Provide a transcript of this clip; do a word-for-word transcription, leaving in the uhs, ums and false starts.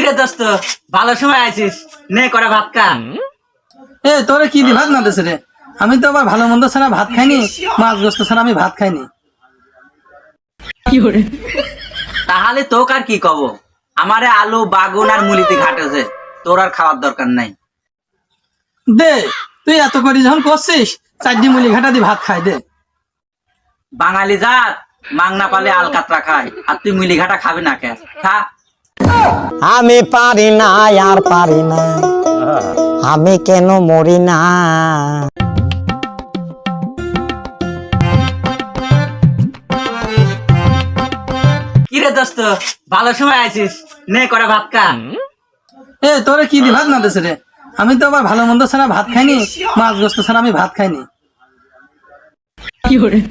রে দোস্ত, ভালো সময় আছিস, নে করে ভাত খা। এ তোরে কি দি ভাত না দেছে রে? আমি তো আবার ভালো মন্দ ছাড়া ভাত খাইনি, মাছ গোস্ত ছাড়া আমি ভাত খাইনি। তাহলে তোকে আর কি কব, আমারে আলু বাগুন আর মুলিতে ঘাটেছে, তোর আর খাওয়ার দরকার নাই। দে, তুই এত করে যখন করছিস, চারটি মুলি ঘাটা দি ভাত খাই দে। বাঙালি জাত মাংনা পালে আলকাতরা খায়, আর তুই মুলি ঘাটা খাবি না কে? খা। আমি পারি না আর পারি না, আমি কেন মরি না। কি রে দোস্ত, ভালো সময় আছিস, নে করে ভাত খা। এ তোরে কি দি ভাত না দেছে রে? আমি তো আবার ভালো মন্দ ছাড়া ভাত খাইনি, মাছ গোস্ত ছাড়া আমি ভাত খাইনি।